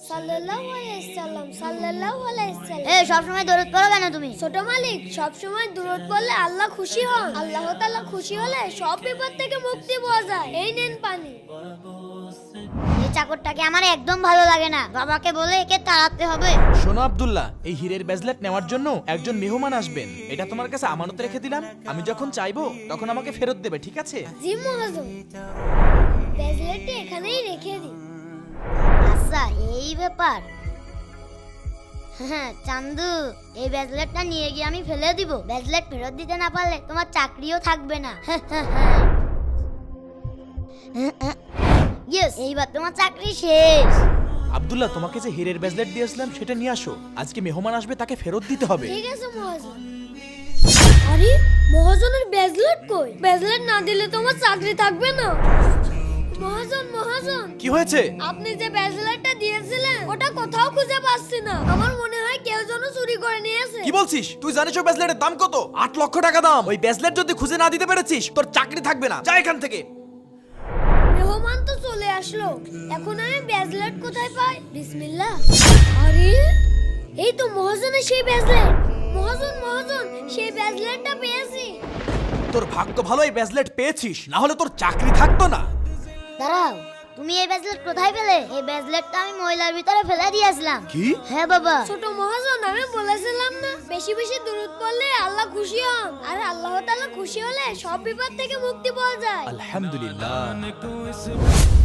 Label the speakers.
Speaker 1: সাল্লাল্লাহু আলাইহি সাল্লাম সাল্লাল্লাহু আলাইহি সাল্লাম।
Speaker 2: এই সব সময় দরুদ পড়ো কেন তুমি?
Speaker 1: ছোট মালিক, সব সময় দরুদ পড়লে আল্লাহ খুশি হন। আল্লাহ তাআলা খুশি হলে সব বিপদ থেকে মুক্তি পাওয়া যায়। এই নেন পানি।
Speaker 2: এই চাকরটাকে আমার একদম ভালো লাগে না। বাবাকে বলে একে তাড়াতে হবে।
Speaker 3: শোনো আব্দুল্লাহ, এই হীরের ব্রেসলেট নেওয়ার জন্য একজন মেহমান আসবেন। এটা তোমার কাছে আমানত রেখে দিলাম। আমি যখন চাইবো তখন আমাকে ফেরত দেবে, ঠিক আছে?
Speaker 1: জি মহাজন, ব্রেসলেটটি এখানেই রেখে দিই।
Speaker 2: আচ্ছা, এই ব্যাপার। হ্যাঁ চান্দু, এই ব্রেসলেটটা নিয়ে গিয়ে আমি ফেলে দিব। ব্রেসলেট ফেরত দিতে না পারলে তোমার চাকরিও থাকবে না। ইয়েস, এইবার তোমার চাকরি শেষ।
Speaker 3: আব্দুল্লাহ, তোমাকে যে হীরের ব্রেসলেট দিয়েছিলাম সেটা নিয়ে আসো। আজকে মেহমান আসবে, তাকে ফেরত দিতে হবে।
Speaker 1: ঠিক আছে মহাজন। আরে মহাজনের ব্রেসলেট কই? ব্রেসলেট না দিলে তোমার চাকরি থাকবে না। মহাজন মহাজন,
Speaker 3: কি হয়েছে?
Speaker 1: আপনি যে ব্রেসলেটটা দিয়েছিলেন ওটা কোথাও খুঁজে পাচ্ছি না। আমার মনে হয় কেউ যেন চুরি করে নিয়েছে।
Speaker 3: কি বলছিস? তুই জানিস ওই ব্রেসলেটের দাম কত? 8 লক্ষ টাকা দাম। ওই ব্রেসলেট যদি খুঁজে না দিতে পেরেছিস তোর চাকরি থাকবে না। যা এখান থেকে।
Speaker 1: মেহমান তো চলে আসলো, এখন আমি ব্রেসলেট কোথায় পাই? বিসমিল্লাহ। আরে এই তো মহাজনের সেই ব্রেসলেট। মহাজন মহাজন, সেই ব্রেসলেটটা পেয়েছি।
Speaker 3: তোর ভাগ্য ভালো এই ব্রেসলেট পেয়েছিস, না হলে তোর চাকরি থাকতো না।
Speaker 2: দাঁড়াও, তুমি এই ব্রেসলেট কোথায় পেলে? এই ব্রেসলেটটা আমি ময়লার ভিতরে ফেলে দিয়েছিলাম।
Speaker 3: কি?
Speaker 2: হ্যাঁ বাবা।
Speaker 1: ছোট মহাজন, আমি বলেছিলাম না বেশি বেশি দরুদ পড়লে আল্লাহ খুশি হন, আর আল্লাহ তাআলা খুশি হলে সব বিপদ থেকে মুক্তি পাওয়া যায়।
Speaker 3: আলহামদুলিল্লাহ।